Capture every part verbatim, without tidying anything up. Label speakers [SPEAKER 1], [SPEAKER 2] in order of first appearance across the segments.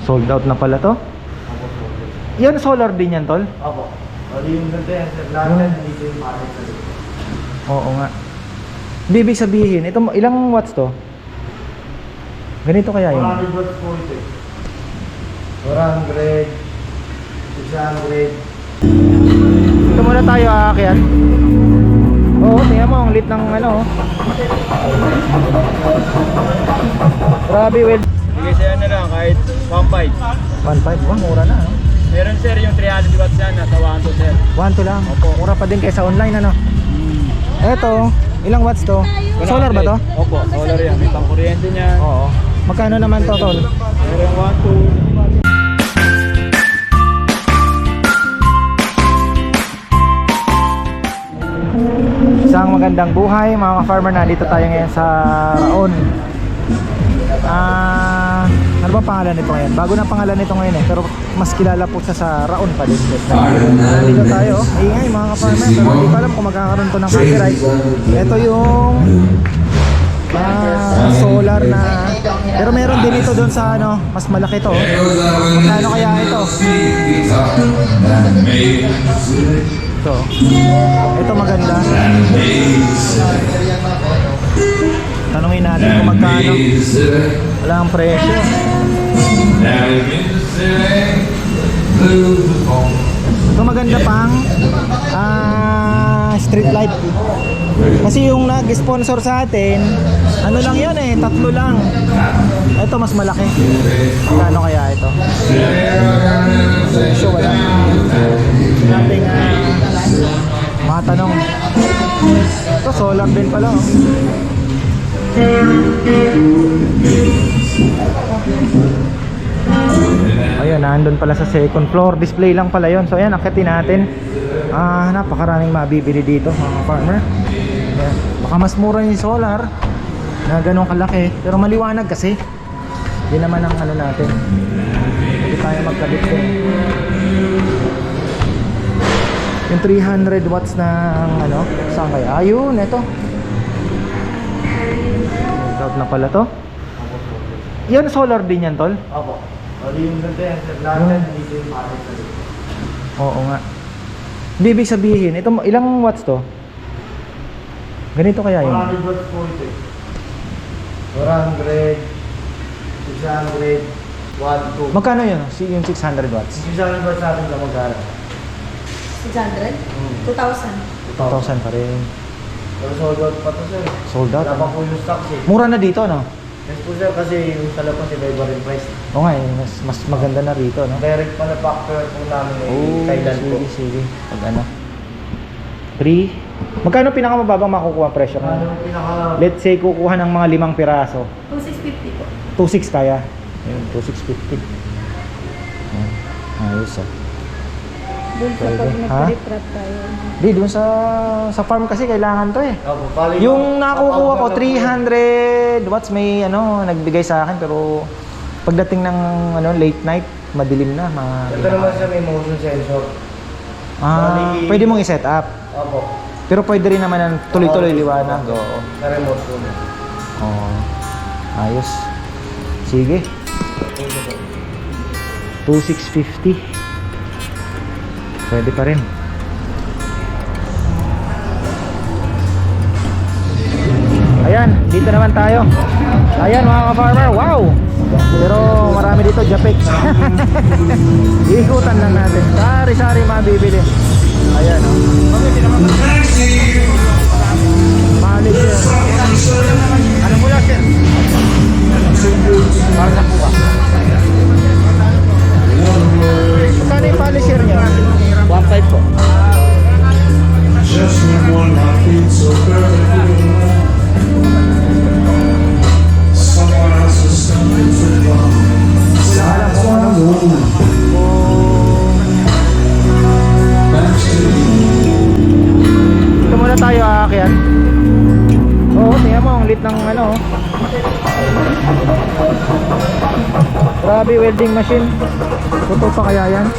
[SPEAKER 1] Sold out na pala to. Yan, solar din yan, tol?
[SPEAKER 2] Opo. Bali yung ganda yan, sir. Lahat yan, dito yung palit sa loob.
[SPEAKER 1] Oo nga. Hindi, ibig sabihin, ito, ilang watts to? Ganito kaya yun?
[SPEAKER 2] four hundred watts po ito eh. four hundred, six hundred.
[SPEAKER 1] Ito muna tayo aakyat. Oo, tingnan mo, ang lit ng ano. Grabe, well.
[SPEAKER 3] Sige sa'yo na lang kahit one point five.
[SPEAKER 1] one point five, oh, mura na. No?
[SPEAKER 3] Meron sir yung three hundred watts yan, nasa one two sir.
[SPEAKER 1] one two lang.
[SPEAKER 3] Opo.
[SPEAKER 1] Mura pa din kaysa online, ano? Eto, ilang watts to? Solar ba to?
[SPEAKER 3] Opo, solar yan. May pang-kuryente niya.
[SPEAKER 1] Oo. Magkano naman to, tol?
[SPEAKER 3] Meron one two.
[SPEAKER 1] Isang magandang buhay mga ka-farmer, nandito tayo ngayon sa Raon. Ah, ano ba pangalan nito ngayon? Bago na pangalan nito ngayon eh, pero mas kilala po siya sa Raon pa din. Nandito tayo, ingay mga ka-farmer, pero hindi ko alam kung magkakaroon to ng copyright. Ito yung ah, solar na, pero meron din ito doon sa ano, mas malaki to. Magkano kaya ito? Ito. Ito maganda. Tanungin natin kung magkano. Wala ang presyo. Ito maganda pang ah, street light. Kasi yung nag-sponsor sa atin, ano lang yun eh, tatlo lang. Ito mas malaki. Magkano kaya ito? Presyo wala. Nating uh, mga tanong. Ito solar din pala oh. Ayun, nandun pala sa second floor. Display lang pala yon. So ayan, akitin natin. Ah, napakaraming mabibili dito mga farmer. Ayan. Baka mas mura yung solar na ganun kalaki, pero maliwanag kasi. Yun naman ang ano natin. Hindi tayo magkabit din. Yung three hundred watts na ano, saan kaya? Ayun, ito. Out na pala to. Yan, solar din yan, tol?
[SPEAKER 2] Opo. Bali yung ganda yan, sir. Lahat yan, dito yung palit sa loob.
[SPEAKER 1] Oo nga. Hindi, ibig sabihin, ito, ilang watts to? Ganito kaya yun?
[SPEAKER 2] four hundred watts po ito eh. four hundred, six hundred, one two.
[SPEAKER 1] Magkano yun? Si- Yung six hundred watts?
[SPEAKER 2] six hundred watts natin na magkano?
[SPEAKER 4] six hundred? two thousand.
[SPEAKER 1] two thousand pa rin.
[SPEAKER 2] Pero sold out pa to, sir.
[SPEAKER 1] Sold out?
[SPEAKER 2] Wala pa
[SPEAKER 1] ano?
[SPEAKER 2] po yung stocks eh.
[SPEAKER 1] Mura na dito, no?
[SPEAKER 2] Yes po, sir, kasi yung sa labas iba-iba rin price.
[SPEAKER 1] Oo nga, eh, mas, mas maganda na rito, no?
[SPEAKER 2] Direct manufacturer po namin eh,
[SPEAKER 1] Oh,
[SPEAKER 2] Thailand po.
[SPEAKER 1] sige, sige. Pag ano? three. Magkano pinakamababang makukuha ang presyo?
[SPEAKER 2] Ano yung pinaka...
[SPEAKER 1] Let's say, kukuha ng mga limang piraso.
[SPEAKER 4] two thousand six hundred fifty po.
[SPEAKER 1] two six kaya? Ayun, two six fifty. Ayun. Ayos ah.
[SPEAKER 4] Doon sa
[SPEAKER 1] Pwede.
[SPEAKER 4] pag
[SPEAKER 1] Ha?
[SPEAKER 4] nag-reprap tayo.
[SPEAKER 1] Di, dun sa sa farm kasi kailangan to eh.
[SPEAKER 2] Opo, bali
[SPEAKER 1] Yung nakukuha ko
[SPEAKER 2] sa-
[SPEAKER 1] three hundred watts, may ano nagbigay sa akin, pero pagdating ng ano late night, madilim na.
[SPEAKER 2] Ito naman
[SPEAKER 1] Ma
[SPEAKER 2] siya may motion sensor.
[SPEAKER 1] ah,
[SPEAKER 2] bali-
[SPEAKER 1] pwede mong i-set up.
[SPEAKER 2] Opo.
[SPEAKER 1] Pero pwede rin naman ng tuloy-tuloy liwanag. Oo.
[SPEAKER 2] Sa remote po.
[SPEAKER 1] Oo. Ayos. Sige. two six fifty. Pwede pa rin. Ayan, dito naman tayo. Ayan mga ka-farmer, wow! Pero marami dito, Japex. Ikutan lang natin. Sari-sari mabibili. Ayan o. Oh. Mahalis yan. Ano mula sir? Para sa puka. Magkano yung polisher niya? one five po.
[SPEAKER 5] Just one life beats so perfectly. Someone else is coming for love.
[SPEAKER 1] Alam ko ano kung ito muna tayo aakyat. Oo, tingnan mo ang lit ng ano. Grabe, welding machine. Totoo pa kaya yan?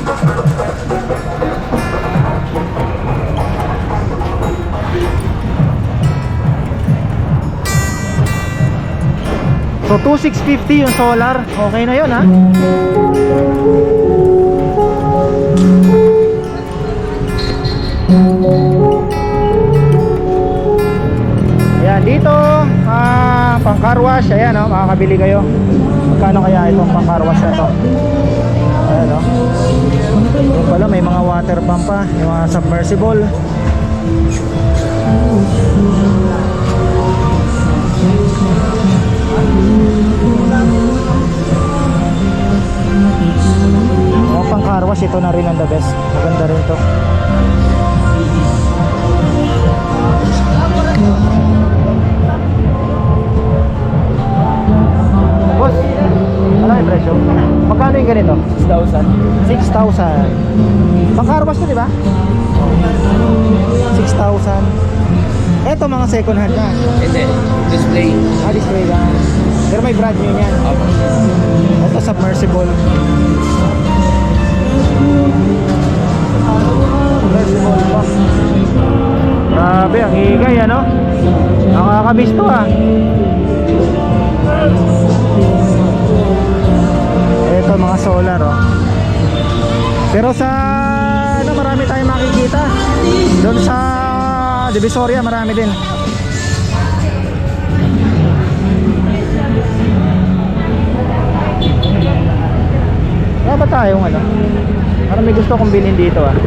[SPEAKER 1] So two six fifty yung solar. Okay na yun ha. car wash, ayan o, makakabili kayo. Magkano kaya itong pang car wash na to? Ayan o. Yung pala may mga water pump pa, yung mga submersible. Mga pang car wash, ito na rin ang the best. Maganda rin to. Boss, ano yung presyo? Magkano yung ganito?
[SPEAKER 3] six thousand.
[SPEAKER 1] six thousand. Pang car wash to, di ba? six thousand. Eto mga second hand na.
[SPEAKER 3] Hindi. Display.
[SPEAKER 1] Ah, display lang. Pero may brand new yan. Ito submersible. Submersible pa. Grabe, ang higay ano? Nakakamiss to ah. Ito mga solar oh. Pero sa ano, marami tayong makikita. Doon sa Divisoria marami din. Wala ba tayong ano? Parang may gusto kong bilhin dito ah.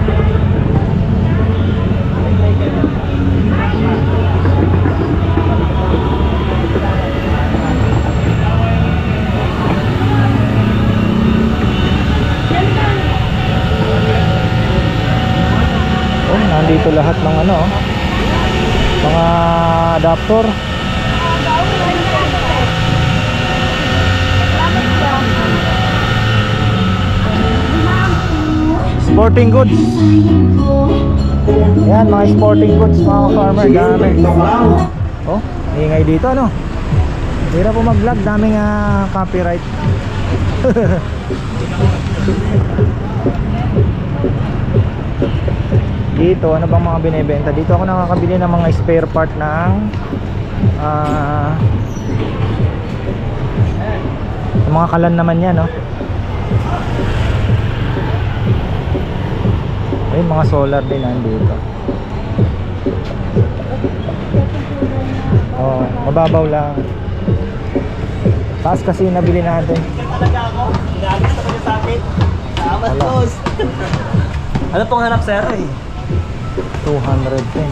[SPEAKER 1] Oh, nandito lahat ng ano oh. Mga adapter. Sporting goods. Yan, mga sporting goods, mga farmer, dami. Oh, ingay dito ano. Hirap po mag-vlog, daming uh, copyright. Dito, ano bang mga binebenta? Dito ako nakakabili ng mga spare part ng uh, mga kalan naman yan, no? Ay, mga solar din nandito. Oh, mababaw lang. Taas kasi yung nabili natin. Wala.
[SPEAKER 3] Ano pong hanap sir?
[SPEAKER 1] two hundred ten.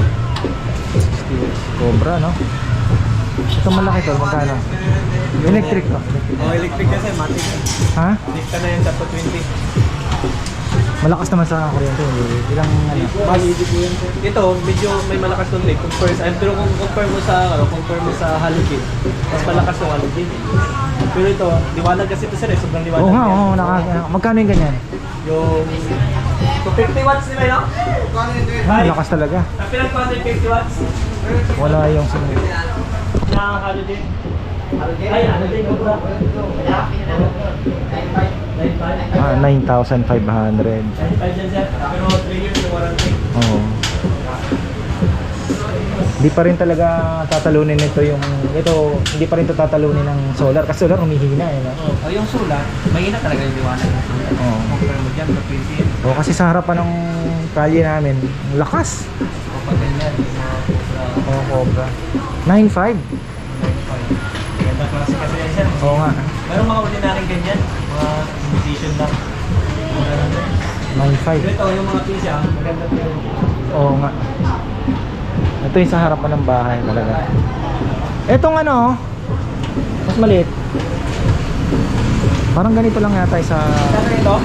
[SPEAKER 1] Cobra, no? Ito malaki to, magkano? Electric to.
[SPEAKER 3] Oh, electric kasi, matik.
[SPEAKER 1] Ha?
[SPEAKER 3] Lift ka na yun sa two twenty.
[SPEAKER 1] Malakas naman sa kuryente. Ilang ano?
[SPEAKER 3] Mas, ito, medyo may malakas ng lift. Compare sa, pero kung compare mo sa, ano, compare mo sa halogen, mas malakas yung halogen. Pero ito, liwanag kasi ito sir eh, sobrang liwanag.
[SPEAKER 1] Oo nga,
[SPEAKER 3] yan.
[SPEAKER 1] oo, naka, magkano yung ganyan?
[SPEAKER 3] Yung two fifty watts nila yun?
[SPEAKER 1] Ah, malakas talaga.
[SPEAKER 3] Ang pinag two fifty watts?
[SPEAKER 1] Wala yung sunod.
[SPEAKER 3] Na halogen. Ay, halogen ko ba?
[SPEAKER 1] Ah, nine thousand five hundred.
[SPEAKER 3] ninety-five yan sir, pero three years yung warranty.
[SPEAKER 1] Oo. Hindi pa rin talaga tatalunin nito yung ito, hindi pa rin ito tatalunin ng solar kasi solar umihina eh. No?
[SPEAKER 3] Oh, yung solar, mahina talaga yung liwanag ng solar.
[SPEAKER 1] Oo.
[SPEAKER 3] Compare mo dyan, two twenty yan.
[SPEAKER 1] O kasi sa harapan ng kalye namin, ang lakas.
[SPEAKER 3] O pag ganyan, yung mga uh,
[SPEAKER 1] Oo, Cobra. nine five.
[SPEAKER 3] ninety-five. Ganda klase kasi yan sir.
[SPEAKER 1] Oo nga.
[SPEAKER 3] Mayroong mga ordinaryong ganyan, mga imitation lang.
[SPEAKER 1] nine five.
[SPEAKER 3] Pero ito, yung mga P C ah, maganda po yun.
[SPEAKER 1] Oo nga. Ito yung sa harapan ng bahay talaga. Etong ano, mas maliit. Parang ganito lang yata sa
[SPEAKER 3] Saan ito?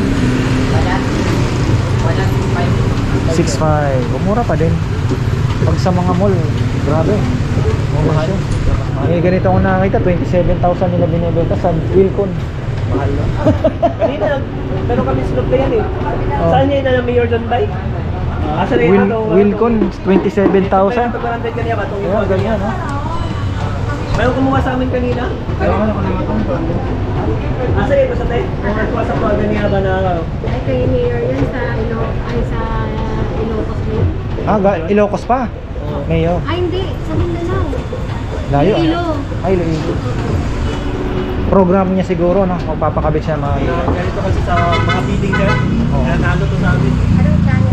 [SPEAKER 1] six five. Mura pa din. Pag sa mga mall, grabe. Mahal. Eh, ganito ako nakakita, twenty-seven thousand nila binibenta sa Wilcon.
[SPEAKER 3] Mahal no? Kanina, pero kami slot na yan eh.
[SPEAKER 1] Oh.
[SPEAKER 3] Saan niya na Mayor John Bay? Asa na
[SPEAKER 1] Wil
[SPEAKER 3] yun ito?
[SPEAKER 1] Wilcon, twenty-seven thousand.
[SPEAKER 3] Ito barangay kanina ba? Itong
[SPEAKER 1] Kaya ganyan, ha?
[SPEAKER 3] Mayroon kumuha sa amin kanina?
[SPEAKER 1] Kaya ano ko naman ito.
[SPEAKER 3] Asa ito sa tayo? Kumuha sa mga ganyan ba na ano?
[SPEAKER 4] Ay, kay Mayor yan sa, Ilo, ay, sa Ilocos Lake.
[SPEAKER 1] Ah, ga- Ilocos pa. Mayo.
[SPEAKER 4] Ay, hindi. Sa Mindanao.
[SPEAKER 1] Layo. ah.
[SPEAKER 4] Iloilo.
[SPEAKER 1] Ay, Iloilo. Program niya siguro, no? Magpapakabit siya ng mga ilaw.
[SPEAKER 3] Ganito kasi sa mga bidding dyan.
[SPEAKER 1] Oo.
[SPEAKER 3] Nanalo to sa amin.
[SPEAKER 4] Anong channel?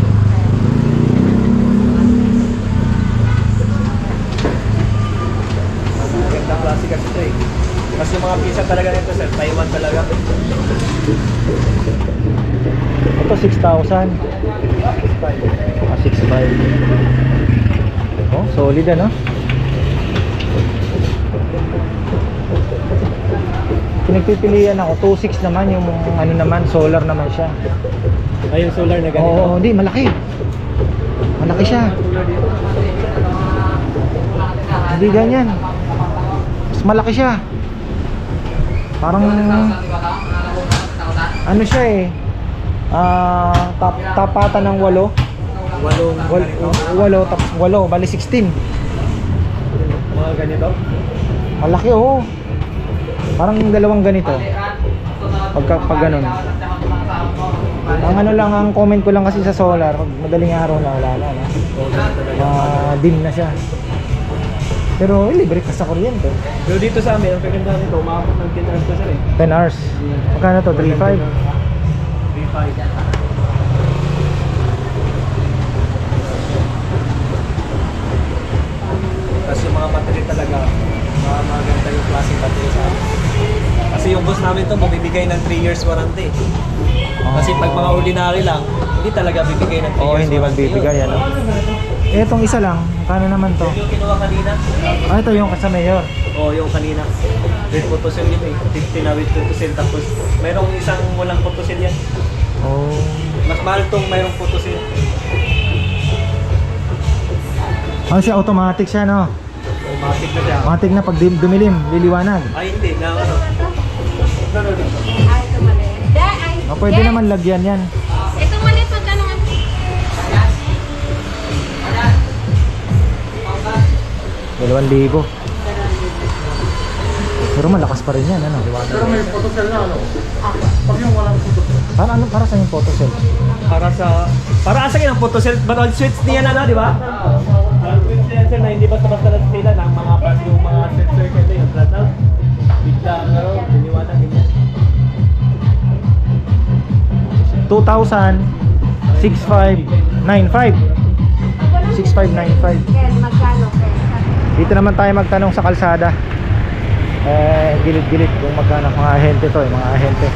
[SPEAKER 3] magandang klase kasi ito eh. Kasi yung mga pisa talaga nito sir, Taiwan talaga.
[SPEAKER 1] Ito six thousand. Ah, six five. Oh, solid ano? Pinagpipilian ako, two six naman yung ano naman, solar naman siya.
[SPEAKER 3] Ay, yung solar na ganito.
[SPEAKER 1] Oo, hindi, malaki. Malaki siya. Hindi ganyan. Mas malaki siya. Parang ano siya eh. Ah, tap, tapatan ng walo.
[SPEAKER 3] Walong
[SPEAKER 1] Wal,
[SPEAKER 3] ganito.
[SPEAKER 1] walo, tapos walo, bali sixteen.
[SPEAKER 3] Mga ganito.
[SPEAKER 1] Malaki oh. Parang dalawang ganito. Pagka pag ganun. Ang ano lang, ang comment ko lang kasi sa solar, pag madaling araw na wala na, no? Ah, dim na siya. Pero eh, libre ka sa kuryente.
[SPEAKER 3] Pero dito sa amin, ang kaganda nito, umabot ng ten hours na sir eh.
[SPEAKER 1] ten hours. Magkano to? three five?
[SPEAKER 3] three five. Tapos yung mga battery talaga, mga maganda yung klaseng battery sa amin. Kasi yung boss namin to, bumibigay ng three years warranty. Kasi pag mga ordinary lang, hindi talaga bibigay ng three
[SPEAKER 1] Oo,
[SPEAKER 3] years
[SPEAKER 1] hindi
[SPEAKER 3] warranty
[SPEAKER 1] magbibigay,
[SPEAKER 3] yun.
[SPEAKER 1] ano? Eh, itong isa lang, kano naman to?
[SPEAKER 3] Yung kinuha kanina,
[SPEAKER 1] Ah, ito yung sa mayor.
[SPEAKER 3] o yung kanina, with photocell yun eh, fifty na with photocell, tapos mayroong isang walang photocell yan.
[SPEAKER 1] Oh.
[SPEAKER 3] Mas mahal tong mayroong photocell.
[SPEAKER 1] Ano siya, automatic siya, no?
[SPEAKER 3] Automatic na siya.
[SPEAKER 1] Automatic na pag dim- dumilim, liliwanag.
[SPEAKER 3] Ay hindi, na ano. No, no, no.
[SPEAKER 4] Ay, ito mali. De, ay,
[SPEAKER 1] Oh, pwede
[SPEAKER 4] de.
[SPEAKER 1] naman lagyan yan.
[SPEAKER 4] Ito mali, magkano nga?
[SPEAKER 1] Dalawang libo. Pero malakas pa rin yan, ano?
[SPEAKER 2] Pero may photocell na ano? Pag yung walang photocell.
[SPEAKER 1] Para ano, para sa yung photocell?
[SPEAKER 3] Para sa para asa yung photocell, but all switch niya na na, di ba? Ang switch sensor na hindi basta-basta lang sila ng mga part yung mga sensor kasi yung flat out. Bigla ano, diniwanag ganyan.
[SPEAKER 1] two thousand six five nine five. six five nine five.
[SPEAKER 4] Ken, magkano? Ken?
[SPEAKER 1] Dito naman tayo magtanong sa kalsada. Eh, gilid-gilid kung magkano mga ahente to, eh, mga ahente.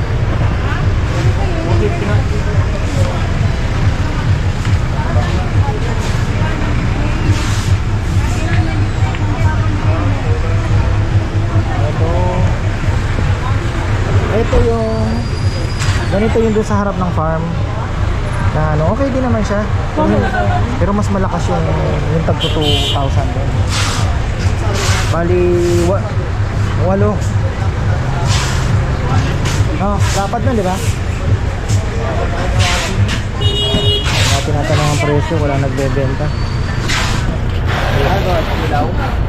[SPEAKER 1] Ito. Ito yung ganito yung doon sa harap ng farm. Na ano, okay din naman siya. Pero, pero mas malakas yung yung tag two thousand din. Bali wa, walo. Oh, dapat na, di ba? Wala tinatanong ang presyo, wala nagbebenta.
[SPEAKER 3] Ano, ilaw?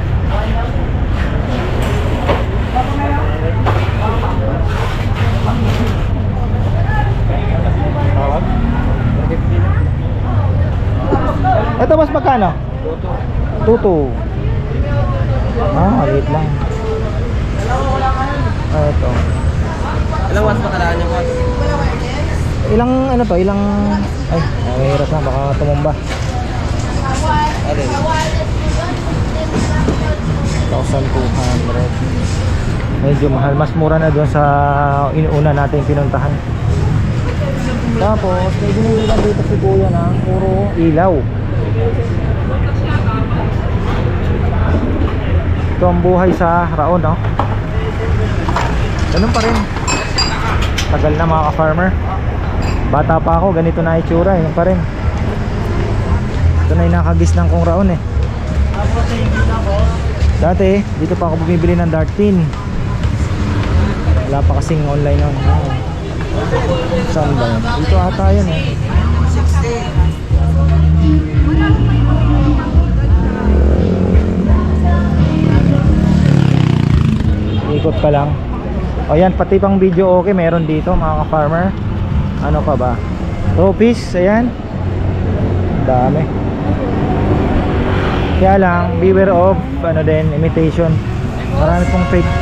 [SPEAKER 1] Tawag? Ito mas magkano? Tutu. Ah, maliit lang. Ah, ito.
[SPEAKER 3] Ilang watts ba kailangan niyo, boss?
[SPEAKER 1] Ilang ano to? Ilang ay, mahirap na baka tumumba.
[SPEAKER 3] Alin?
[SPEAKER 1] one thousand two hundred. Medyo mahal, mas mura na doon sa inuuna natin pinuntahan. Tapos, may binilihan dito si Kuya na puro ilaw. Ito ang buhay sa Raon, no? Ganun pa rin. Tagal na mga ka-farmer. Bata pa ako, ganito na itsura, yun pa rin. Ito na yung nakagisnan kong Raon eh. Dati, dito pa ako bumibili ng dart tin. Wala pa kasing online nun. Saan ba yun? Dito ata yun eh. Ikot ka lang. O yan, pati pang video okay meron dito mga ka-farmer. Ano pa ba? Trophies, ayan. Dami. Kaya lang, beware of ano din, imitation. Marami pong fake.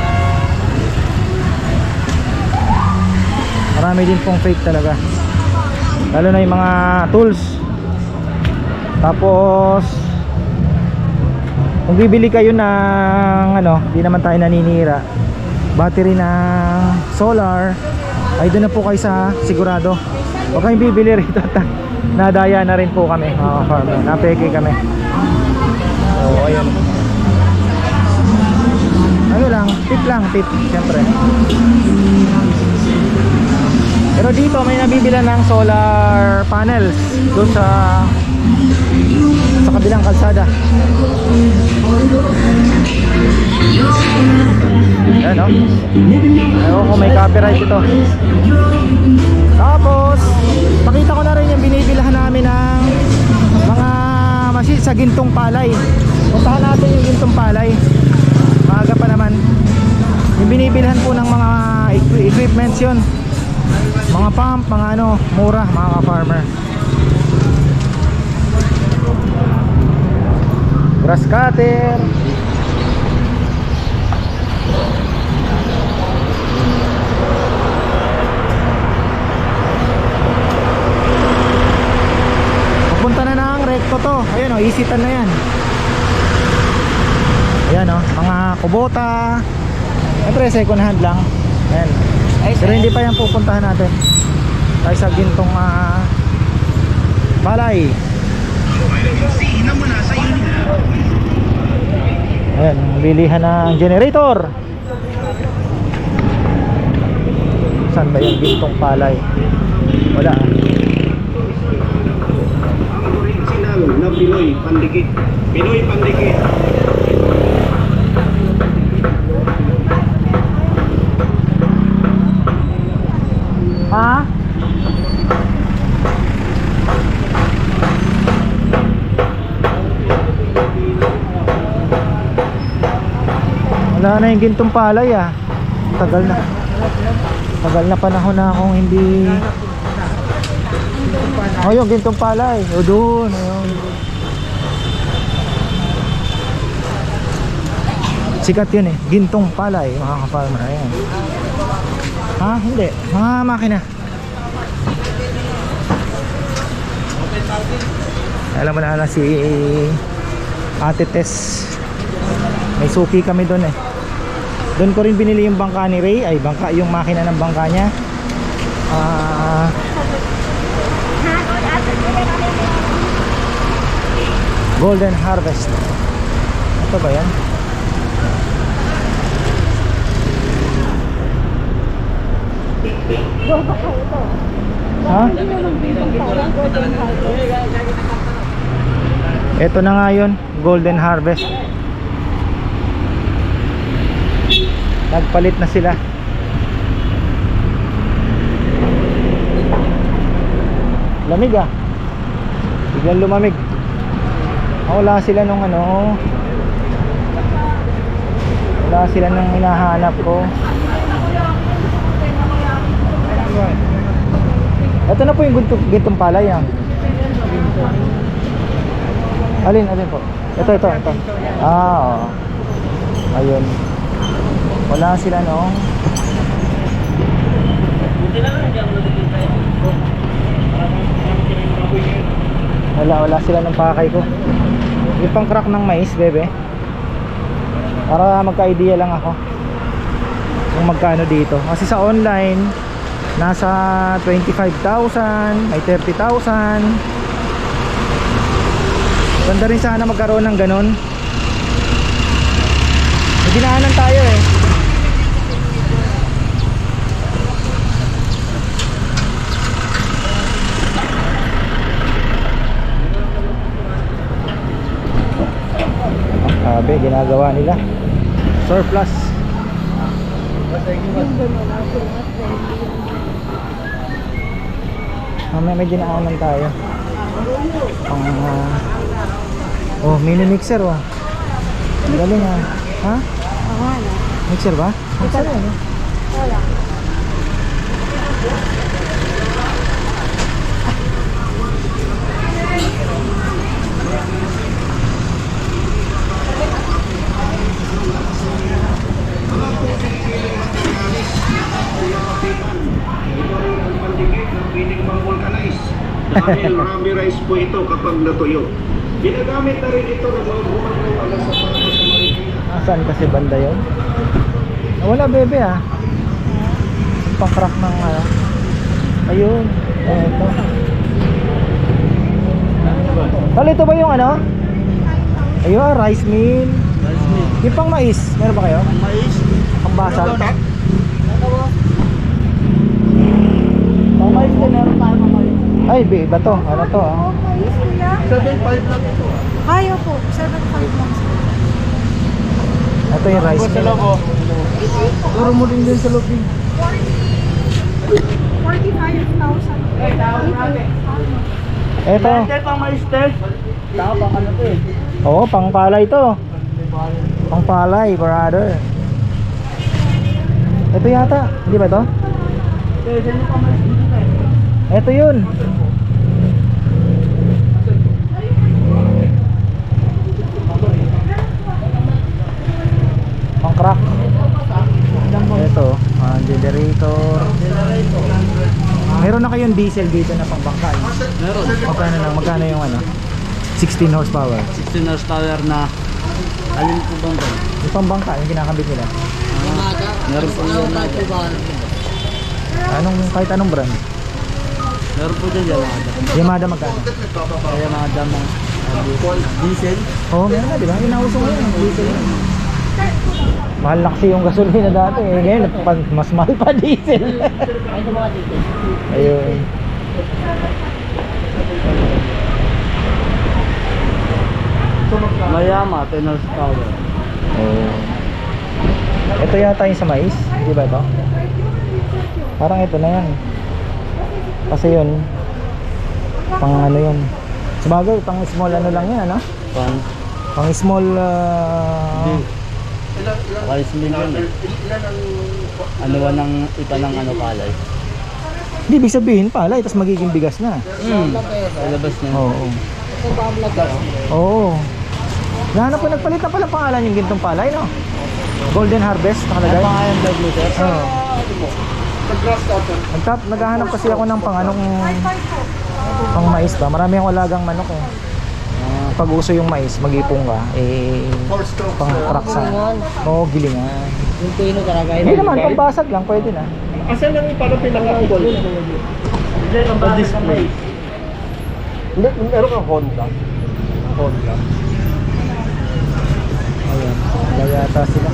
[SPEAKER 1] Marami din pong fake talaga. Lalo na yung mga tools. Tapos Kung bibili kayo ng ano, di naman tayo naninira, battery ng solar, ay doon na po kayo sa sigurado. Huwag kayong bibili rito. Nadaya na rin po kami mga farmer, napeke kami. So ayun, ano lang, tip lang, tip syempre. Pero dito may nabibila ng solar panels doon sa sa kabilang kalsada. Yan o. Ewan ko may copyright ito. Tapos pakita ko na rin yung binibilhan namin ng mga machine sa gintong palay. Puntahan natin yung gintong palay. Maaga pa naman. Yung binibilhan po ng mga equi- equipments yun, mga pump, mga ano, mura mga ka-farmer. Grass cutter. Papunta na ng recto to. Ayun o, isitan na yan. Ayan o, mga kubota. Siyempre second hand lang. Ayan. Pero hindi pa yan pupuntahan natin. Tayo sa gintong uh, palay. Ayan, bilihan ng generator. Saan ba yung gintong palay? Wala.
[SPEAKER 6] Original na Pinoy Pandikit. Pinoy Pandikit.
[SPEAKER 1] Ha? Wala na yung gintong palay ah. Tagal na. Tagal na panahon na akong hindi. Oh, yung gintong palay. O doon, ayun. Sikat yun eh, gintong palay mga ka-farmer. Ayan. Ha? Hindi. Mga makina. Alam mo na na si Ate Tess. May suki kami doon eh. Doon ko rin binili yung bangka ni Ray. Ay, bangka, yung makina ng bangka niya. Ah... Golden Harvest. Ito ba yan? Ha? Ito na nga yun, Golden Harvest. Nagpalit na sila. Lamig ah. Biglang lumamig. Wala sila nung ano. Wala sila nung hinahanap ko. Ito na po yung gintong, gintong palay ah. Alin, alin po? Ito, ito, ito. Ah, oo. Ayun. Wala sila nung. Wala, wala sila ng pakay ko. Yung pang crack ng mais, bebe. Para magka-idea lang ako kung magkano dito. Kasi sa online nasa twenty-five thousand, may thirty thousand. Ganda rin sana magkaroon ng ganun. May dinaanan tayo eh. Sabi, ginagawa nila surplus. Mamaya may dinaanan tayo. Ang uh, oh, mini mixer oh. Galing ah. Ha? Mixer ba? Mixer ano?
[SPEAKER 4] Wala.
[SPEAKER 6] Dahil rubberized po ito kapag natuyo. Ginagamit na rin ito ng mga gumagawa sa mga
[SPEAKER 1] Saan kasi banda yun? Ah, wala bebe ah. Yung pang crack ng ano. Ayun. Eto. Tol, ito ba yung ano? Ayun, rice mill.
[SPEAKER 2] Rice mill.
[SPEAKER 1] Yung pang mais, meron ba kayo?
[SPEAKER 2] Mais.
[SPEAKER 1] Pang basal?
[SPEAKER 2] Pang mais din, meron tayo pang mais.
[SPEAKER 1] Ay, be, iba to. Ano to ah?
[SPEAKER 2] seven five lang ito.
[SPEAKER 4] Ayaw po, seven five lang.
[SPEAKER 1] Ito yung rice mill.
[SPEAKER 2] Turo mo din din sa loob.
[SPEAKER 4] forty-five thousand.
[SPEAKER 1] Ito.
[SPEAKER 2] pang mais din. Tama pang ano to eh.
[SPEAKER 1] Oo, pang palay to. Pang palay, brother. Ito yata, hindi ba to? Ito yun. Pang crack. Ito, ah, generator. Meron na kayong diesel dito na pang bangka. eh?
[SPEAKER 2] Meron.
[SPEAKER 1] Magkano lang, magkano yung ano? sixteen horsepower.
[SPEAKER 2] sixteen horsepower na alin po bang ba?
[SPEAKER 1] Yung pang bangka, yung kinakabit nila.
[SPEAKER 2] Meron po yun na.
[SPEAKER 1] Anong, kahit anong brand?
[SPEAKER 2] Meron po dyan Yamada.
[SPEAKER 1] Yamada magkano?
[SPEAKER 2] Kaya mga damang diesel.
[SPEAKER 1] Oo, oh, meron na, di ba? Yung nauso ngayon, ang diesel yun. Mahal na kasi yung gasolina dati. Eh, ngayon, pa- mas mahal pa diesel. Ayun.
[SPEAKER 2] Mayama, ten horsepower.
[SPEAKER 1] Oh. Ito yata yung sa mais, di ba ito? Parang ito na yan. Kasi yun, pang ano yun. Sabagay, pang small ano lang yan, ano?
[SPEAKER 2] Pan.
[SPEAKER 1] Pang small, uh,
[SPEAKER 2] Rice mill yun eh. Ano ba ng ipa ng ano palay?
[SPEAKER 1] di ibig sabihin palay, tapos magiging bigas na.
[SPEAKER 2] Hmm. Ilabas na.
[SPEAKER 1] Oo. Oo. Nahanap ko, nagpalit na pala pangalan yung gintong palay, no? Golden Harvest, nakalagay.
[SPEAKER 2] Ano pa nga yung blood meter?
[SPEAKER 1] Oo. Nagtap, naghahanap kasi ako ng pang anong pang mais ba? Marami akong alagang manok eh.
[SPEAKER 2] Ah,
[SPEAKER 1] Pag uso yung mais, mag-ipong ka, eh, pang praksa. Oo, gilingan.
[SPEAKER 2] yung pino talaga
[SPEAKER 1] Hindi naman, pang basag lang, pwede na.
[SPEAKER 3] Asan lang yung parang pinaka-gold? Hindi, ang
[SPEAKER 2] sa display.
[SPEAKER 3] Hindi, meron kang Honda. Honda.
[SPEAKER 1] Ayan, kaya yata sila.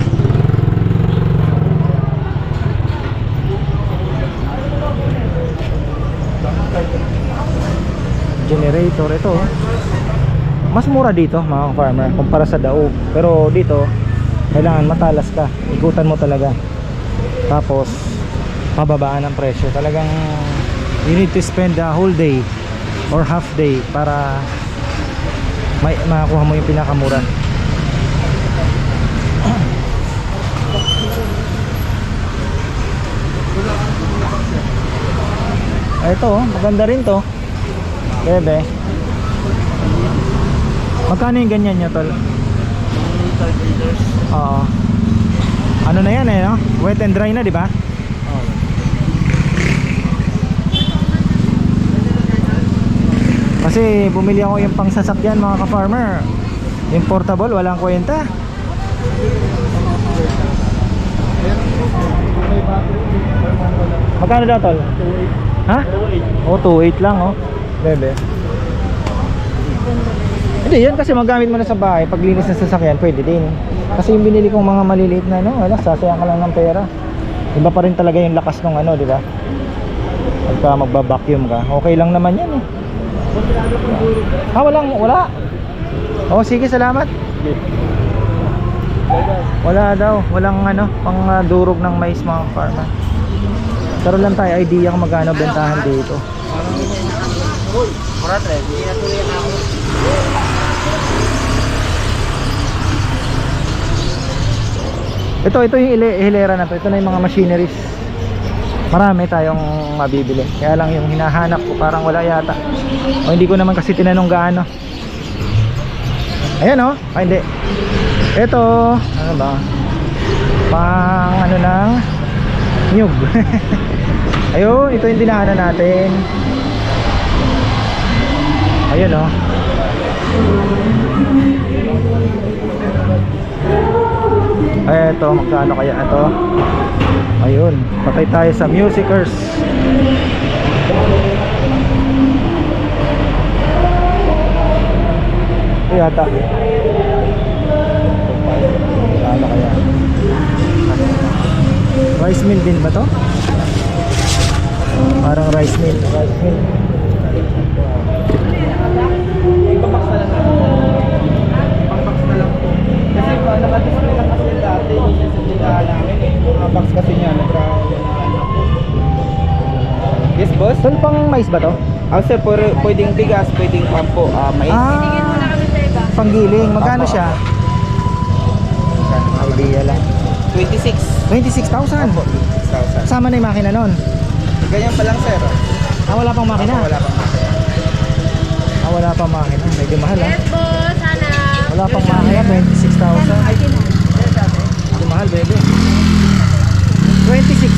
[SPEAKER 1] Generator, ito oh. Mas mura dito mga farmer kumpara sa Daog. Pero dito kailangan matalas ka, ikutan mo talaga. Tapos pababaan ang presyo. Talagang you need to spend the whole day or half day para may makakuha mo yung pinakamura. Ito oh, maganda rin to. Bebe. Magkano yung ganyan nyo, tol?
[SPEAKER 2] thirty liters.
[SPEAKER 1] Oo. Ano na yan eh, no? Wet and dry na, di ba?
[SPEAKER 2] Oh.
[SPEAKER 1] Kasi bumili ako yung pang sasakyan mga ka-farmer. Yung portable, walang kwenta. Magkano daw, tol? Ha? Oh, two eight lang, oh. Bebe. Hindi, yan kasi magamit mo na sa bahay. Paglinis ng sasakyan, pwede din. Kasi yung binili kong mga maliliit na ano, wala, sasayang ka lang ng pera. Iba pa rin talaga yung lakas ng ano, di ba? Pagka magba-vacuum ka, okay lang naman yan eh. Ah, walang, wala. Oh, sige, salamat. Wala daw, walang ano, pang uh, durog ng mais mga farmer. Karoon lang tayo idea kung magkano bentahan dito. Ito, ito yung ile- hilera na to. Ito na yung mga machineries. Marami tayong mabibili. Kaya lang yung hinahanap ko parang wala yata. O hindi ko naman kasi tinanong gaano. Ayan o. Oh. Ay hindi. Ito, ano ba? Pang ano lang, nyug. Ayun, ito yung dinahanan natin. Ayun o. Oh. Eto, magkano kaya ito? Ayun, patay tayo sa musicers. Ito yata. Magkano kaya? Rice mill din ba to? Parang rice mill. Rice mill.
[SPEAKER 2] Ipabox na lang. Pang-box na lang po. Kasi uh, nakadisplay lang kasi dati yung sa tindahan namin eh. Mga box kasi niya, nagra... Yes, boss?
[SPEAKER 1] Tol, pang mais ba to?
[SPEAKER 2] Ah, sir, pwede- pwedeng bigas, pwedeng pampo, ah, mais.
[SPEAKER 1] Ah, panggiling. Magkano
[SPEAKER 2] Opo,
[SPEAKER 1] siya? Idea lang.
[SPEAKER 2] twenty-six.
[SPEAKER 1] twenty-six thousand.
[SPEAKER 2] Opo, twenty-six thousand.
[SPEAKER 1] Kasama na yung makina nun.
[SPEAKER 2] Ganyan pa lang, sir.
[SPEAKER 1] Ah, wala pang makina.
[SPEAKER 2] Opo, wala pang makina.
[SPEAKER 1] Ah, wala pang makina. Medyo mahal ah.
[SPEAKER 4] Yes, boss. Sana.
[SPEAKER 1] Wala pang makina, twenty-six thousand. Medyo mahal, baby. twenty-six.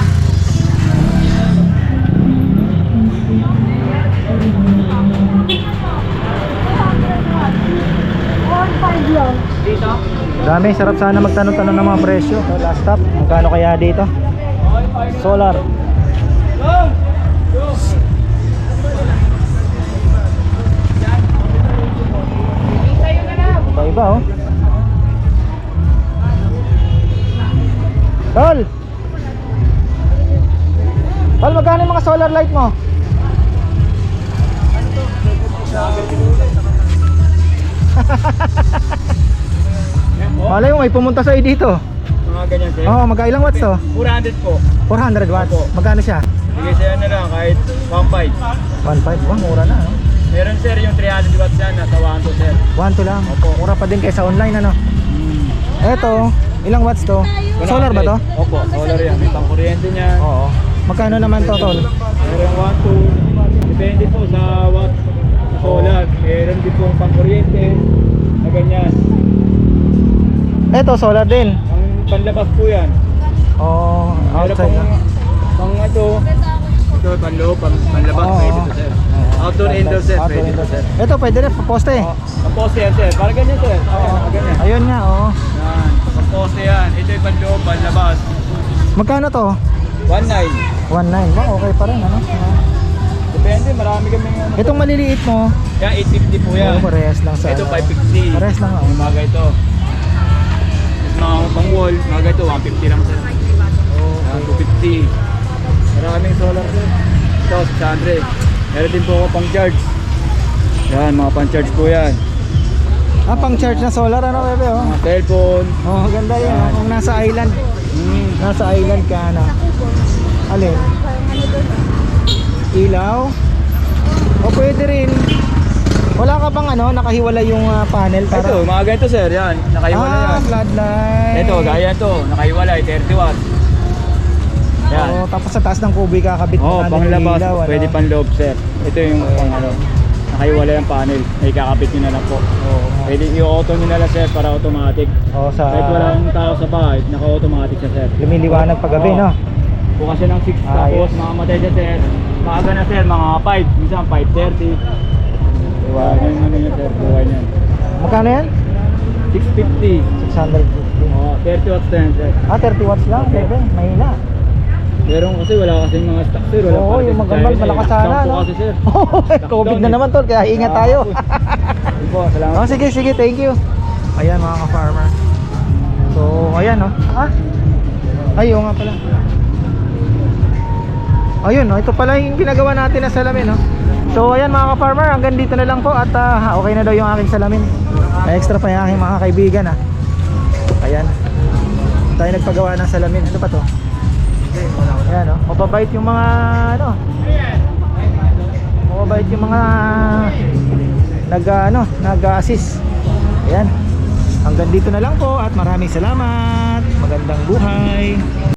[SPEAKER 1] Dami, sarap sana magtanong-tanong ng mga presyo. So, last stop, magkano kaya dito? Solar. Iba-iba oh. Tol! Tol, magkano yung mga solar light mo? Malay mo, may pumunta sa'yo dito.
[SPEAKER 3] Mga ganyan sir.
[SPEAKER 1] Oo, oh, magkailang watts to?
[SPEAKER 3] four hundred po.
[SPEAKER 1] four hundred watts.
[SPEAKER 3] Opo.
[SPEAKER 1] Magkano siya?
[SPEAKER 3] Bigay sa'yo na lang kahit one five.
[SPEAKER 1] one point five. Wah, mura na no?
[SPEAKER 3] Meron sir yung three hundred watts yan, nasa one two sir.
[SPEAKER 1] one two lang.
[SPEAKER 3] Opo.
[SPEAKER 1] Mura pa din kaysa online ano? Eto, ilang watts to? Solar ba to?
[SPEAKER 3] Opo, solar yan. May pang-kuryente niya.
[SPEAKER 1] Oo. Magkano naman to, tol?
[SPEAKER 3] Meron one two. Depende po sa watt sa solar. Meron din pong pang-kuryente. Na ganyan.
[SPEAKER 1] Eto, solar din.
[SPEAKER 3] Ang panlabas po yan.
[SPEAKER 1] Oo,
[SPEAKER 3] Meron
[SPEAKER 1] outside
[SPEAKER 3] pang,
[SPEAKER 1] na.
[SPEAKER 3] pang ito. Ito, panloob, pang, panlabas.
[SPEAKER 1] Oo.
[SPEAKER 3] Pwede to sir. Outdoor, indoor sir.
[SPEAKER 1] Outdoor,
[SPEAKER 3] Pwede to
[SPEAKER 1] indoor.
[SPEAKER 3] sir.
[SPEAKER 1] Eto, pwede rin, poste.
[SPEAKER 3] Ang poste yan sir. Para ganyan sir. Ayan, ganyan.
[SPEAKER 1] Ayun nga, oo.
[SPEAKER 3] Yan. Ang poste yan. Ito yung panloob, panlabas.
[SPEAKER 1] Magkano to?
[SPEAKER 3] one nine.
[SPEAKER 1] one nine. Ba, okay pa rin, ano?
[SPEAKER 3] Depende, marami kami ano.
[SPEAKER 1] Itong maliliit mo,
[SPEAKER 3] Yan, eight fifty po yan.
[SPEAKER 1] oo, parehas lang sa
[SPEAKER 3] Ito,
[SPEAKER 1] ano.
[SPEAKER 3] five fifty.
[SPEAKER 1] Parehas lang, oh.
[SPEAKER 3] Yung mga ito. Tapos mga pang wall, mga ito, one fifty lang sir. Yan, two fifty. Maraming solar sir. Ito, six hundred. Meron din po ako pang charge. Yan, mga pang charge po yan.
[SPEAKER 1] Ah, pang charge na solar, ano, bebe, oh.
[SPEAKER 3] Mga cellphone.
[SPEAKER 1] Oh, ganda yun, oh. Kung nasa island,
[SPEAKER 3] Hmm.
[SPEAKER 1] nasa island ka na. Alin? Ilaw? O pwede rin. Wala ka bang ano, nakahiwala yung ah, panel para...
[SPEAKER 3] Ito, mga ganito sir, yan. Nakaiwala
[SPEAKER 1] ah,
[SPEAKER 3] yan.
[SPEAKER 1] floodlight.
[SPEAKER 3] Ito, gaya ito. Nakaiwalay, thirty watts. Yan.
[SPEAKER 1] Oh, tapos sa taas ng kubi kakabit
[SPEAKER 3] Oo, oh,
[SPEAKER 1] natin
[SPEAKER 3] pang
[SPEAKER 1] yung
[SPEAKER 3] labas,
[SPEAKER 1] ilaw, ano?
[SPEAKER 3] pwede pang loob sir. Ito yung pang ano, nakaiwala yung panel, ay kakabit nyo na lang po.
[SPEAKER 1] Oo.
[SPEAKER 3] Pwede i-auto nyo na lang sir para automatic.
[SPEAKER 1] Oh, sa
[SPEAKER 3] Kahit walang tao sa bahay, naka-automatic siya sir.
[SPEAKER 1] lumiliwanag pagabi,
[SPEAKER 3] Oo.
[SPEAKER 1] no?
[SPEAKER 3] Bukas siya ng six,
[SPEAKER 1] Ayos.
[SPEAKER 3] tapos makamatay siya sir. Maaga na sir, mga five, minsan five thirty. Diba, yung ano yun sir, buhay niyan.
[SPEAKER 1] Magkano yan?
[SPEAKER 3] six fifty.
[SPEAKER 1] six hundred fifty.
[SPEAKER 3] Oo, thirty watts na yan sir.
[SPEAKER 1] Ah, thirty watts lang, bebe. Mahina.
[SPEAKER 3] Meron kasi wala kasing mga stock sir. Wala
[SPEAKER 1] Oo,
[SPEAKER 3] pa
[SPEAKER 1] yung
[SPEAKER 3] kasi
[SPEAKER 1] magambal,
[SPEAKER 3] China,
[SPEAKER 1] malakas
[SPEAKER 3] eh.
[SPEAKER 1] sana,
[SPEAKER 3] Lockdown po
[SPEAKER 1] no?
[SPEAKER 3] kasi sir.
[SPEAKER 1] COVID na naman, tol, kaya ingat tayo.
[SPEAKER 3] Yun po, salamat.
[SPEAKER 1] Oh, sige, sige, thank you. Ayan mga ka-farmer. So, ayan oh. Ah? Ay, oo nga pala. Ayun, oh, ito pala yung ginagawa natin na salamin, oh. So, ayan mga ka-farmer, hanggang dito na lang po at ah, okay na daw yung aking salamin. May extra pa yung aking mga kaibigan, ah. Ayan. Tayo nagpagawa ng salamin. Ano pa to? Ayan, oh. Mababait yung mga ano. Mababait yung mga nag ano, nag-assist. Ayan. Hanggang dito na lang po at maraming salamat. Magandang buhay.